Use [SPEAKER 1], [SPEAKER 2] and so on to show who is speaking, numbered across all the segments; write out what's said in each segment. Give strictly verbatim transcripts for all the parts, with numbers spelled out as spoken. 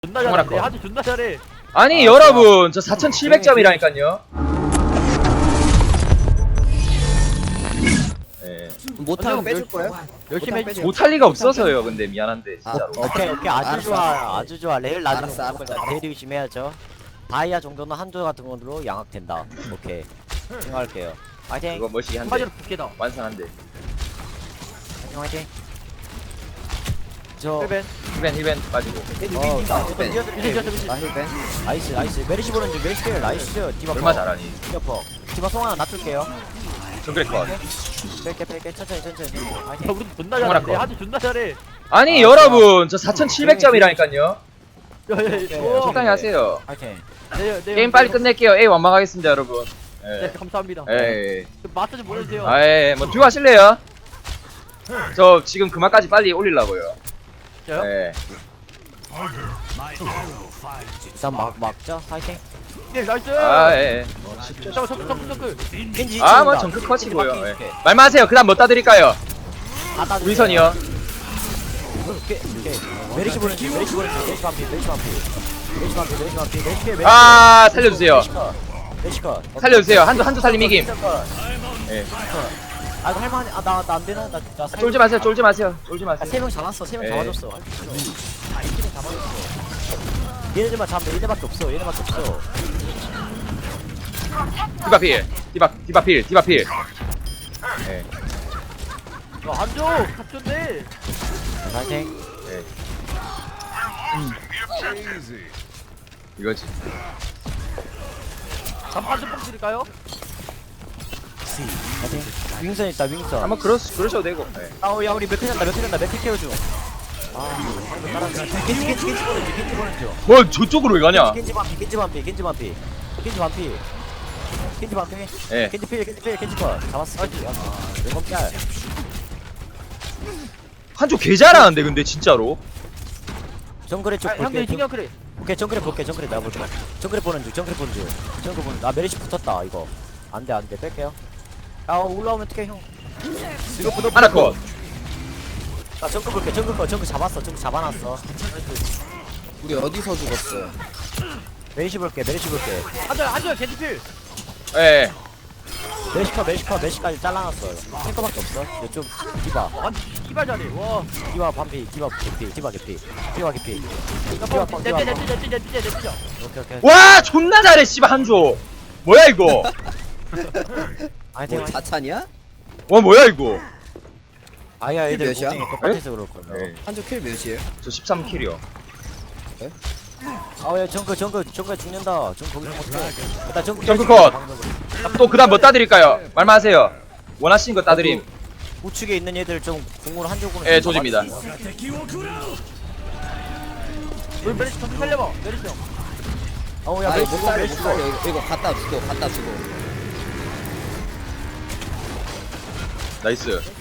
[SPEAKER 1] 존나 잘해. 아주 존나 잘해.
[SPEAKER 2] 아니
[SPEAKER 3] 아,
[SPEAKER 2] 여러분 저 사천칠백 점이라니까요. 예.
[SPEAKER 3] 못하면 빼줄 거야?
[SPEAKER 1] 열심히 해줘.
[SPEAKER 2] 못할 리가 없어서요. 근데 미안한데 진짜로.
[SPEAKER 3] 아,
[SPEAKER 4] 오케이 오케이 아주
[SPEAKER 3] 알았어,
[SPEAKER 4] 좋아
[SPEAKER 3] 알았어.
[SPEAKER 4] 아주 좋아 레일 나중에
[SPEAKER 3] 알았어, 알았어, 알았어.
[SPEAKER 4] 대리 의심해야죠. 다이아 정도는 한조 같은 걸로 양악된다. 오케이 생각할게요. 화이팅
[SPEAKER 2] 이거 멋있게 한데
[SPEAKER 1] 한마디로 부캐다.
[SPEAKER 2] 완성한데.
[SPEAKER 4] 화이팅 화이팅. 저
[SPEAKER 1] 힐벤.
[SPEAKER 2] 힐벤 힐벤 빠지고.
[SPEAKER 4] 어, 나
[SPEAKER 3] 힐벤.
[SPEAKER 4] 뛰어들-
[SPEAKER 1] 미신 뛰었어 미신.
[SPEAKER 3] 나 힐벤.
[SPEAKER 4] 나이스 나이스 메리시 보는 중 메리시 필 나이스 디바
[SPEAKER 2] 얼마
[SPEAKER 4] 퍼.
[SPEAKER 2] 잘하니.
[SPEAKER 4] 디바 퍼 디바 송 하나 놔둘게요.
[SPEAKER 2] 정글 컷.
[SPEAKER 4] 뺄게 뺄게 천천히 천천히 화이팅.
[SPEAKER 1] 야, 우리 존나
[SPEAKER 2] 정말
[SPEAKER 1] 잘해.
[SPEAKER 2] 아까.
[SPEAKER 1] 아주 존나 잘해.
[SPEAKER 2] 아니
[SPEAKER 4] 아,
[SPEAKER 2] 여러분 저 사천칠백 점이라니까요.
[SPEAKER 1] 야, 야, 야, 오.
[SPEAKER 2] 적당히 하세요.
[SPEAKER 4] 화이팅.
[SPEAKER 1] 네, 네,
[SPEAKER 2] 게임
[SPEAKER 1] 네,
[SPEAKER 2] 빨리
[SPEAKER 1] 네.
[SPEAKER 2] 끝낼게요. 에이 완망하겠습니다 여러분.
[SPEAKER 1] 네,
[SPEAKER 2] 예.
[SPEAKER 1] 감사합니다.
[SPEAKER 2] 예.
[SPEAKER 1] 그 마스 좀 보내주세요.
[SPEAKER 2] 아예 뭐 듀오 하실래요? 저 지금 그만까지 빨리 올리려고요.
[SPEAKER 1] 저요?
[SPEAKER 2] 예.
[SPEAKER 4] 일단 막 막자 화이팅.
[SPEAKER 1] 네, 나이스.
[SPEAKER 2] 아 예.
[SPEAKER 1] 잠깐, 잠깐, 잠깐, 잠깐.
[SPEAKER 4] 겐지
[SPEAKER 2] 아 뭐
[SPEAKER 4] 이쪽이다.
[SPEAKER 2] 정글
[SPEAKER 4] 겐지
[SPEAKER 2] 컷이고요.
[SPEAKER 4] 바퀴
[SPEAKER 2] 예.
[SPEAKER 4] 이렇게.
[SPEAKER 2] 말만 하세요. 그다음 뭐 따드릴까요?
[SPEAKER 4] 다 따주세요.
[SPEAKER 2] 우리 선이요.
[SPEAKER 4] 오케이 오케이 메리시 보는 중 메리시 보는 중 메리시 반피 메리시 반피 메리시 반피 메리시 반피 메리시 필 메리시
[SPEAKER 2] 아
[SPEAKER 4] 필.
[SPEAKER 2] 살려주세요.
[SPEAKER 4] 메리시 컷 메리시 컷
[SPEAKER 2] 살려주세요. 한두 한두 살림 이김. 예.
[SPEAKER 4] 아 이거 할만해. 아나 나 안 되나? 나 나
[SPEAKER 2] 쫄지 마세요. 쫄지 마세요. 쫄지 마세요.
[SPEAKER 4] 세명 잡았어. 세 명
[SPEAKER 2] 예.
[SPEAKER 4] 잡아줬어. 아 이팀 잡아줬어. 얘네들만 잡으면 얘네밖에 없어. 얘네밖에 없어.
[SPEAKER 2] 디바필. 디바 디바필. 디바필. 예.
[SPEAKER 1] 야, 한조, 갑존데.
[SPEAKER 4] 파이팅.
[SPEAKER 2] 예. 이거지.
[SPEAKER 1] 잠깐 좀 뻥치릴까요?
[SPEAKER 4] 파이팅. 윙선 있다. 윙선.
[SPEAKER 2] 한번 그러 그러셔도 되고. 예.
[SPEAKER 4] 아우야 우리 몇회 잔다. 몇회 잔다. 몇회 케어줘. 아 방금 따라한다. 겐지 겐지 겐지 보는 중. 겐지 보는 중.
[SPEAKER 2] 뭐 저쪽으로 왜 가냐?
[SPEAKER 4] 겐지 반피. 겐지 반피. 겐지 반피. 겐지 반피. 겐지 반피.
[SPEAKER 2] 예.
[SPEAKER 4] 겐지 필. 겐지 필. 겐지 컷. 잡았어. 아 왼건 짤.
[SPEAKER 2] 한쪽 개 잘하는데 근데 진짜로.
[SPEAKER 4] 정글의 쪽
[SPEAKER 1] 아, 형들
[SPEAKER 4] 볼게.
[SPEAKER 1] 신경 그래.
[SPEAKER 4] 오케이 정글에 볼게. 정글에 내가 볼게. 정글에 보는 중. 정글에 보는 중. 정글 보는 중. 아 메리시 붙었다 이거. 안돼 안돼 뺄게요. 아 올라오면 어떡해 형. 이거 붙어.
[SPEAKER 2] 하나 컷.
[SPEAKER 4] 아 정글 볼게. 정글 거 정글 잡았어. 정글 잡아놨어.
[SPEAKER 3] 우리 어디서 죽었어?
[SPEAKER 4] 메리시 볼게. 메리시 볼게.
[SPEAKER 1] 한조, 한조, 겐지필.
[SPEAKER 2] 예.
[SPEAKER 4] 메리시커 메리시커 메리시까지 잘라놨어. 탱커밖에 없어. 이쪽 디바.
[SPEAKER 1] 한 기발 잘해. 와.
[SPEAKER 4] 디바 반피. 디바 개피. 디바 개피. 디바 개피.
[SPEAKER 1] 야,
[SPEAKER 4] 디바
[SPEAKER 1] 뭐,
[SPEAKER 4] 펑.
[SPEAKER 1] 내
[SPEAKER 4] 디바
[SPEAKER 1] 내 내
[SPEAKER 4] 펑.
[SPEAKER 1] 내 내 내 내
[SPEAKER 4] 오케이 오케이.
[SPEAKER 2] 와 존나 잘해 씨발 한조. 뭐야 이거?
[SPEAKER 4] 아니
[SPEAKER 3] 뭐
[SPEAKER 4] 탱.
[SPEAKER 3] 자찬이야?
[SPEAKER 2] 와 뭐야 이거?
[SPEAKER 4] 아야 애들
[SPEAKER 3] 몇이야?
[SPEAKER 4] 고생이 똑같아서 그럴 거야.
[SPEAKER 2] 예.
[SPEAKER 3] 한조 킬 몇이에요?
[SPEAKER 2] 저 십삼 킬이요.
[SPEAKER 4] 아야 정글 정글 정글 죽는다. 정 거기서 못해. 일단 정글
[SPEAKER 2] 정글 컷. 또 그다음 뭐 따드릴까요? 말만 하세요. 원하시는 거 따드림.
[SPEAKER 4] 우측에 있는 얘들 좀 궁으로 한 조금은.
[SPEAKER 2] 예, 조집니다.
[SPEAKER 1] 우리 메리시 좀 살려봐. 메리시 형.
[SPEAKER 4] 어우야
[SPEAKER 3] 아
[SPEAKER 4] 메리시
[SPEAKER 3] 이거 못
[SPEAKER 4] 고
[SPEAKER 3] 살려 못
[SPEAKER 4] 메리시 고.
[SPEAKER 3] 살려 이거, 이거 갖다 주고 갖다 주고.
[SPEAKER 2] 나이스.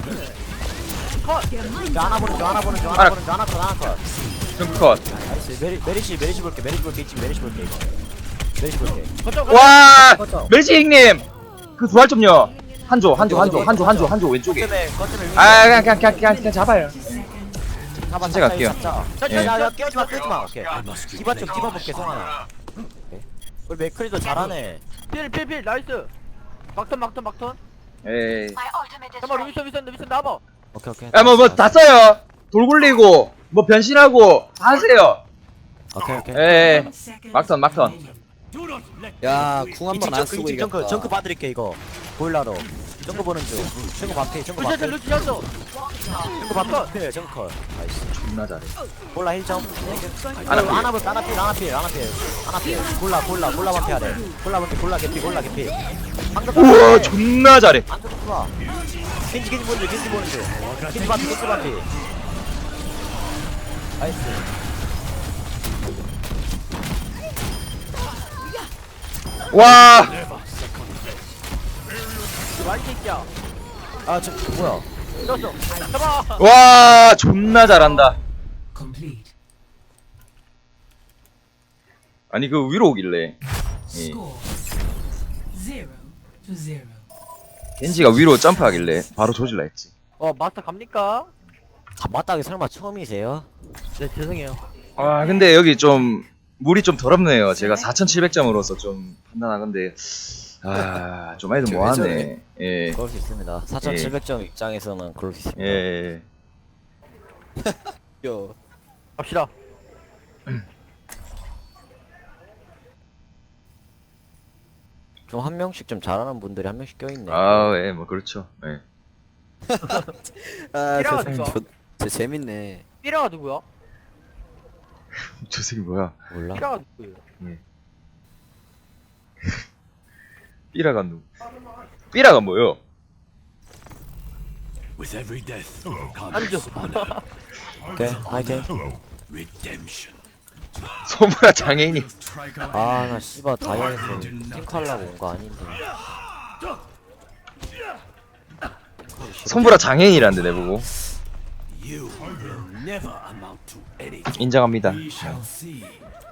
[SPEAKER 4] 하나 보는 중 하나 보는 중
[SPEAKER 2] 하나.
[SPEAKER 4] 하나 보는 중 하나 컷 하나 컷.
[SPEAKER 2] 정글 컷.
[SPEAKER 4] 나이스 메리 메리시 메리시 볼게 메리시 볼게 지금 메리시 볼게 이거. 메리시 볼게.
[SPEAKER 1] 거점,
[SPEAKER 2] 와
[SPEAKER 4] 거점.
[SPEAKER 2] 멜지익님 그 두알 좀요. 한조 한조 한조 한조 한조 한조 왼쪽에.
[SPEAKER 4] 거점에 거점에
[SPEAKER 2] 아 그냥 그냥 그냥 그냥, 그냥 잡아요.
[SPEAKER 4] 잡아
[SPEAKER 2] 진짜 갈게요.
[SPEAKER 1] 거점.
[SPEAKER 2] 예.
[SPEAKER 4] 야야 깨우지 마 깨우지 마. 오케이. 디바 쪽 디바 볼게 성하나. 오케이. 우리 맥크리도 잘하네.
[SPEAKER 1] 필, 필, 필, 나이스. 막턴, 막턴, 막턴.
[SPEAKER 2] 에이.
[SPEAKER 1] 잠깐만, 위선, 위선, 위선 나와봐.
[SPEAKER 4] 오케이 오케이.
[SPEAKER 2] 야뭐 뭐 다 써요. 돌 굴리고 뭐 변신하고 다 하세요.
[SPEAKER 4] 오케이 오케이.
[SPEAKER 2] 에 막턴 막턴.
[SPEAKER 3] 야궁 한 번 안 쓰고
[SPEAKER 4] 이쪽 정크
[SPEAKER 3] 이겼다.
[SPEAKER 4] 정크 봐드릴게 이거. 보일러로. 정크 보는 중. 정크 반피 정크
[SPEAKER 1] 루시한테
[SPEAKER 4] 반피.
[SPEAKER 1] 루시한테.
[SPEAKER 4] 정크 반피. 정크. 나이스.
[SPEAKER 2] 존나 잘해.
[SPEAKER 4] 볼라 힐 점.
[SPEAKER 2] 하나 필.
[SPEAKER 4] 하나 볼 하나 필 하나 필 하나 필 하나 필. 볼라 볼라 볼라 반피 하래. 볼라 반피 볼라 개피 볼라 개피. 방금
[SPEAKER 2] 우와 존나 잘해.
[SPEAKER 4] 안 좋구나. 겐지 겐지 보는 중 겐지 보는 중. 겐지 반피 겐지 반피. 나이스.
[SPEAKER 2] 와.
[SPEAKER 1] 이 와이 새끼야.
[SPEAKER 4] 아 저 뭐야?
[SPEAKER 1] 이겼어. 잡아.
[SPEAKER 2] 와 존나 잘한다. 아니 그 위로 오길래 예.
[SPEAKER 5] Zero to zero.
[SPEAKER 2] 겐지가 위로 점프하길래 바로 조질라 했지.
[SPEAKER 1] 어, 마스터 갑니까?
[SPEAKER 4] 아, 맞다기 설마 처음이세요?
[SPEAKER 1] 네, 죄송해요.
[SPEAKER 2] 아 근데 여기 좀 물이 좀 더럽네요. 제가 사천칠백 점으로서 좀 판단하건데 아좀 애들 뭐하네. 예.
[SPEAKER 4] 그럴 수 있습니다. 사천칠백 점 입장에서는 그럴 수 있습니다.
[SPEAKER 2] 예.
[SPEAKER 3] 요.
[SPEAKER 1] 갑시다.
[SPEAKER 4] 좀 한 명씩 좀 잘하는 분들이 한 명씩 껴있네.
[SPEAKER 2] 아, 예, 뭐 그렇죠. 예.
[SPEAKER 3] 아,
[SPEAKER 1] 삐라가
[SPEAKER 3] 저,
[SPEAKER 1] 누가?
[SPEAKER 3] 저, 저 재밌네.
[SPEAKER 1] 삐라가 누구야?
[SPEAKER 2] 저 새끼 뭐야?
[SPEAKER 4] 몰라.
[SPEAKER 1] 삐라가 누구예요?
[SPEAKER 2] 삐라가 누? 삐라가 뭐요?
[SPEAKER 6] With every death
[SPEAKER 1] 앉아.
[SPEAKER 6] comes honor,
[SPEAKER 4] 오케이, 화이팅.
[SPEAKER 6] redemption.
[SPEAKER 2] 소무라 장애인이.
[SPEAKER 4] 아, 나 씨발 다이아에서 띵크하려고 온 거 아닌데.
[SPEAKER 2] 손보라 장애인이란데 내보고.
[SPEAKER 6] You will never amount to anything.
[SPEAKER 2] 인정합니다.
[SPEAKER 6] We shall see.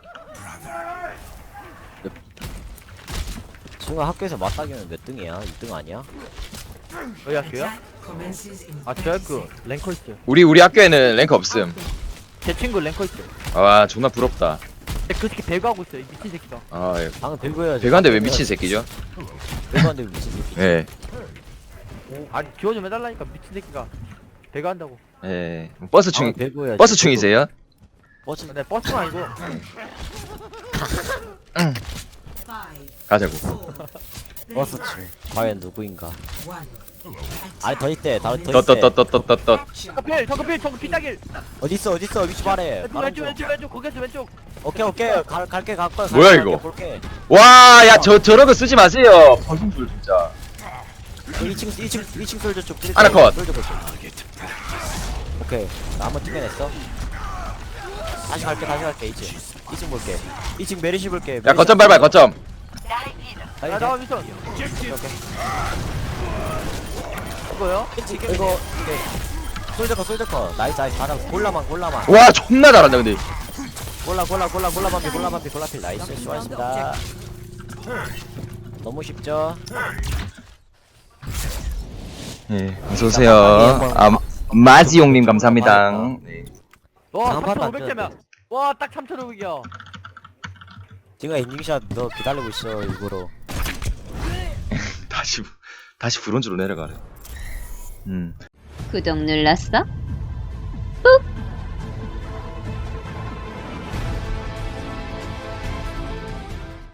[SPEAKER 4] 친구가 학교에서 맞다기는 몇 등이야? 이 등 아니야?
[SPEAKER 1] 여기 학교야?
[SPEAKER 5] Commences in
[SPEAKER 1] 아, 저 학교 랭커 있어요.
[SPEAKER 2] 우리 우리 학교에는 랭크 없음.
[SPEAKER 1] 제 친구 랭커 있어요.
[SPEAKER 2] 아 존나 부럽다.
[SPEAKER 1] 근데 그 새끼 배그하고 있어요, 이 미친 새끼가.
[SPEAKER 2] 아 예.
[SPEAKER 4] 방금 배그 해야지.
[SPEAKER 2] 배가인데 왜 미친 새끼죠?
[SPEAKER 4] 배그한데 왜 미친 새끼?
[SPEAKER 2] 예.
[SPEAKER 1] 아니, 기원 좀 해달라니까, 미친 새끼가. 배그한다고.
[SPEAKER 2] 예. 버스 충
[SPEAKER 4] 방금 배그 해야지.
[SPEAKER 2] 버스 충이세요?
[SPEAKER 4] 버스
[SPEAKER 1] 근데 버스는 아니고.
[SPEAKER 5] five,
[SPEAKER 2] 가자고.
[SPEAKER 5] four,
[SPEAKER 4] 버스 중. 과연 누구인가?
[SPEAKER 5] one.
[SPEAKER 4] 아니 더 있대. 더, 더 있대.
[SPEAKER 2] 떴떴떴떴떴떴.
[SPEAKER 1] 정크필, 정크필, 정크 피따길.
[SPEAKER 4] 어디 있어? 어디 있어? 위치 말해.
[SPEAKER 1] 왼쪽,
[SPEAKER 4] 말하면
[SPEAKER 1] 왼쪽,
[SPEAKER 4] 좀.
[SPEAKER 1] 왼쪽, 왼쪽, 거기서 왼쪽.
[SPEAKER 4] 오케이 오케이. 갈 갈게 갈 거야.
[SPEAKER 2] 뭐야,
[SPEAKER 4] 갈게,
[SPEAKER 2] 이거?
[SPEAKER 4] 갈게, 볼게.
[SPEAKER 2] 와, 야, 저 저런 거 쓰지 마세요. 벌금줄 진짜.
[SPEAKER 4] 이 층 이 층 이 층 솔저 쪽.
[SPEAKER 2] 하나 컷.
[SPEAKER 4] 솔저 쪽. 오케이. 나 한번 튕겨냈어. 다시 갈게 다시 갈게 이 층. 이 층 볼게. 이 층 메리시 볼게.
[SPEAKER 2] 야, 거점 밟아, 거점.
[SPEAKER 1] 야, 나와, 미션. 이거요?
[SPEAKER 4] 이거 이거 이게 솔저 거 솔저 거. 나이스 나이스 가자. 골라만 골라만.
[SPEAKER 2] 와, 존나 잘한다 근데.
[SPEAKER 4] 골라 골라 골라 골라 반피 골라 반피 골라 필 나이스 수고하셨습니다. 너무 쉽죠?
[SPEAKER 2] 예, 어서 오세요. 아, 마지용님 감사합니다. 네.
[SPEAKER 1] 와,
[SPEAKER 4] 다음 판도 안
[SPEAKER 1] 삼천오백 점이야. 와, 딱 삼천오백이야.
[SPEAKER 4] 지금 엔딩샷 너 기다리고 있어 일부러.
[SPEAKER 2] 다시 다시 브론즈로 내려가래. 음.
[SPEAKER 7] 구독 눌렀어?